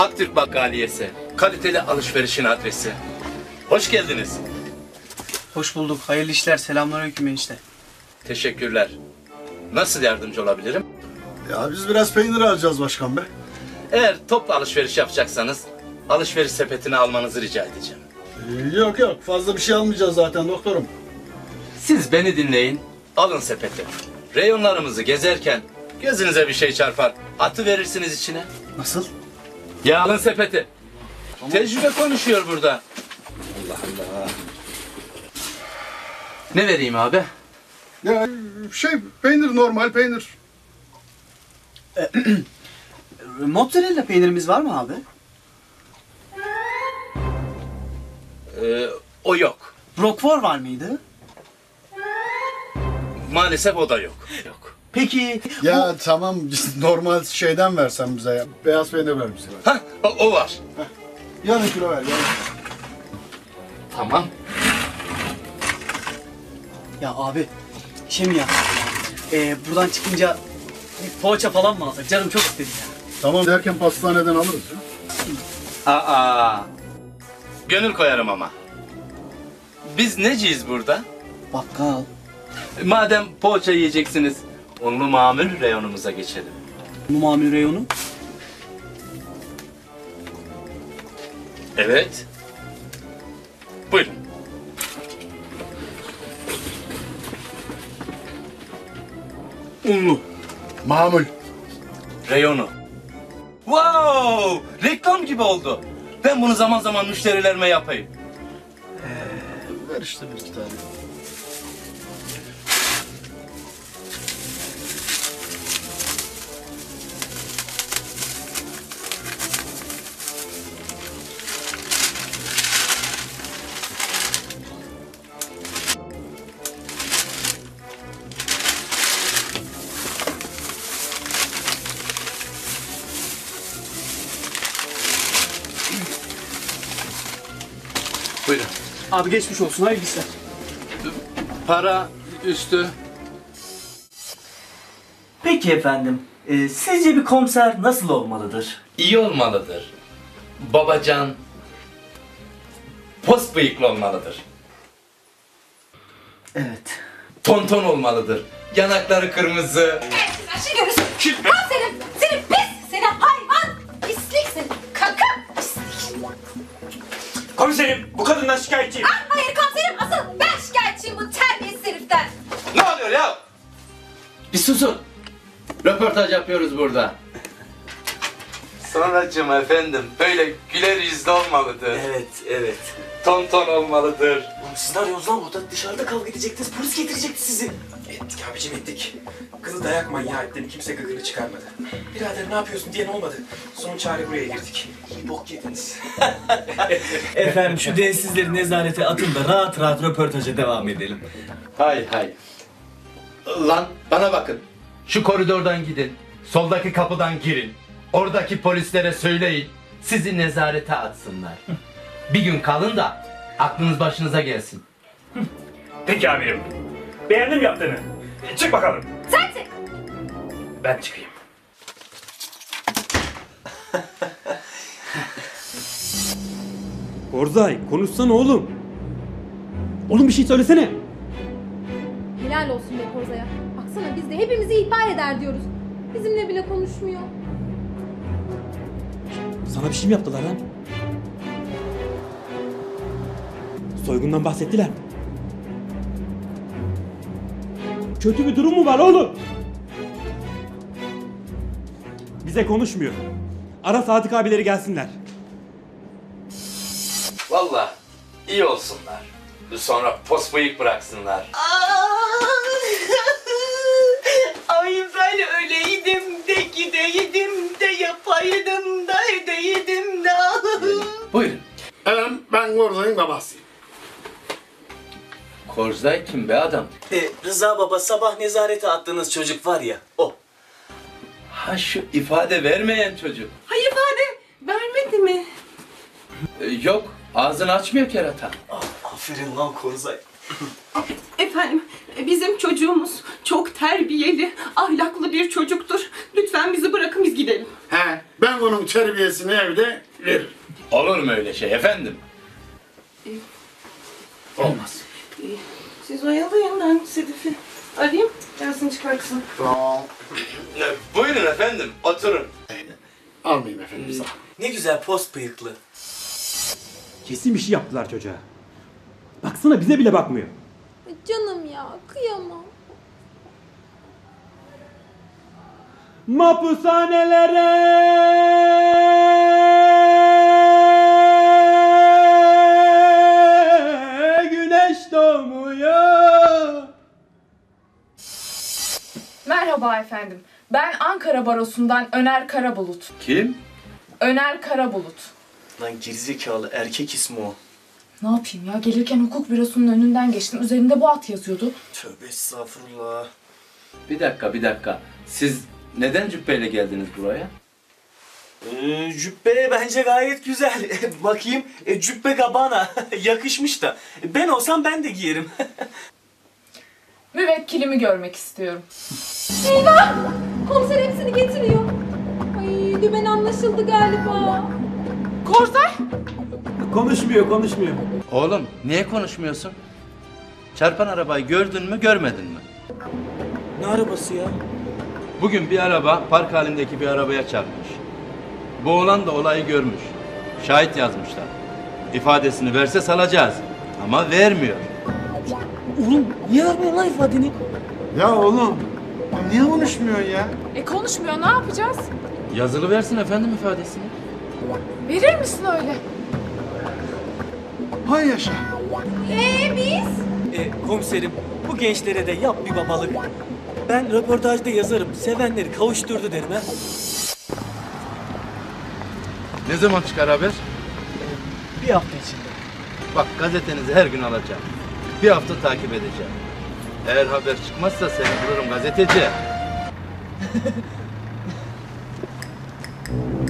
Aktürk Bakkaliyesi. Kaliteli alışverişin adresi. Hoş geldiniz. Hoş bulduk. Hayırlı işler. Selamünaleyküm enişte. Teşekkürler. Nasıl yardımcı olabilirim? Ya biz biraz peynir alacağız başkan bey. Eğer toplu alışveriş yapacaksanız alışveriş sepetini almanızı rica edeceğim. Yok fazla bir şey almayacağız zaten doktorum. Siz beni dinleyin. Alın sepeti. Reyonlarımızı gezerken gözünüze bir şey çarpar. Atı verirsiniz içine. Nasıl? Ya alın sepeti. Tecrübe konuşuyor burada. Allah Allah. Ne vereyim abi? Ya peynir normal peynir. Mozzarella peynirimiz var mı abi? O yok. Roquefort var mıydı? Maalesef o da yok. Yok. Peki Ya tamam normal şeyden versen bize ya. Beyaz peynir ver bize. Hah, o var. Yarım kilo ver yarım. Tamam. Ya abi şey mi ya? Buradan çıkınca bir poğaça falan mı alsak? Canım çok istedi ya. Tamam derken pastaneden alırız ya. Aa. Gönül koyarım ama. Biz neciyiz burada? Bakkal. Madem poğaça yiyeceksiniz, unlu mamul reyonumuza geçelim. Bu mamul reyonu. Evet. Buyurun. Unlu. Mamul. Reyonu. Wow! Reklam gibi oldu. Ben bunu zaman zaman müşterilerime yapayım. Ver işte bir iki tane. Buyurun. Abi geçmiş olsun. Hayırlı işler. Para üstü. Peki efendim, sizce bir komiser nasıl olmalıdır? İyi olmalıdır. Babacan. Pos bıyıklı olmalıdır. Evet. Tonton olmalıdır. Yanakları kırmızı. Sen şimdi görürsün. Al senin. Seni pis. Seni hayvan. Pislik seni. Kaka. Pislik. Komiserim, bu kadından şikayetçiyim. Ah hayır komiserim. Asıl ben şikayetçiyim bu terbiyesiz heriften. Ne oluyor ya? Bir susun. Röportaj yapıyoruz burada. Sonracığım efendim, böyle güler yüzlü olmalıdır. Evet. Tonton olmalıdır. Oğlum siz ne arıyorsunuz lan burada? Dışarıda kavga edecektiniz, polis getirecekti sizi. Ettik abicim ettik. Kızı dayak manyağı ettin, kimse gıkını çıkarmadı. Birader ne yapıyorsun diyen olmadı. Son çare buraya girdik. İyi bok yediniz. Efendim şu densizleri nezarete atın da rahat rahat röportaja devam edelim. Hay. Lan bana bakın. Şu koridordan gidin. Soldaki kapıdan girin. Oradaki polislere söyleyin. Sizi nezarete atsınlar. Bir gün kalın da aklınız başınıza gelsin. Peki amirim. Beğendim yaptığını. Çık bakalım. Sensin. Ben çıkayım. Orzay konuşsana oğlum. Oğlum bir şey söylesene. Helal olsun be Korza'ya. Baksana biz de hepimizi ihbar eder diyoruz. Bizimle bile konuşmuyor. Sana bir şey mi yaptılar lan? Soygundan bahsettiler mi? Kötü bir durum mu var oğlum? Bize konuşmuyor. Ara Sadık abileri gelsinler. Vallahi iyi olsunlar. Sonra pos bıyık bıraksınlar. Ay ben öyleydim de gideydim de yapaydım da edeydim de. Buyurun. Ben Gorza'nın babasıyım. Korzay kim be adam? Rıza baba sabah nezarete attığınız çocuk var ya o. Ha şu ifade vermeyen çocuk. Hayır ifade vermedi mi? Yok ağzını açmıyor kerata. Aferin lan Korzay. Efendim bizim çocuğumuz çok terbiyeli, ahlaklı bir çocuktur. Lütfen bizi bırakın biz gidelim. He Ben onun terbiyesini evde veririm. Olur mu öyle şey efendim? Olmaz. Siz oyalayın, ben Sedef'i arayayım, gelsin çıkartsın. Tamam. Buyurun efendim, oturun. Almayayım efendim sağ ol. Ne güzel post bıyıklı. Kesin bir şey yaptılar çocuğa. Baksana bize bile bakmıyor. Canım ya, kıyamam. Mahpushanelere güneş doğmuyor. Merhaba efendim. Ben Ankara Barosu'ndan Öner Karabulut. Kim? Öner Karabulut. Lan gerizekalı erkek ismi o. Ne yapayım ya? Gelirken hukuk bürosunun önünden geçtim. Üzerinde bu at yazıyordu. Tövbe estağfurullah. Bir dakika. Siz neden cübbeyle geldiniz buraya? Cübbe bence gayet güzel. Bakayım cübbe kabana yakışmış da. Ben olsam ben de giyerim. Müvekkilimi görmek istiyorum. Eyvah! Komiser hepsini getiriyor. Ay, dümen anlaşıldı galiba. Korzay! Konuşmuyor. Oğlum, niye konuşmuyorsun? Çarpan arabayı gördün mü, görmedin mi? Ne arabası ya? Bugün bir araba park halindeki bir arabaya çarpmış. Bu oğlan da olayı görmüş. Şahit yazmışlar. İfadesini verse salacağız. Ama vermiyor. Oğlum niye vermiyorsun lan ifadeni? Ya oğlum, niye konuşmuyorsun ya? Konuşmuyor. Ne yapacağız? Yazılı versin efendim ifadesini. Verir misin öyle? Hay yaşa. Biz? Komiserim bu gençlere de yap bir babalık. Ben röportajda yazarım. Sevenleri kavuşturdu derim ha. Ne zaman çıkar haber? Bir hafta içinde. Bak gazetenizi her gün alacağım. Bir hafta takip edeceğim. Eğer haber çıkmazsa seni bulurum gazeteci.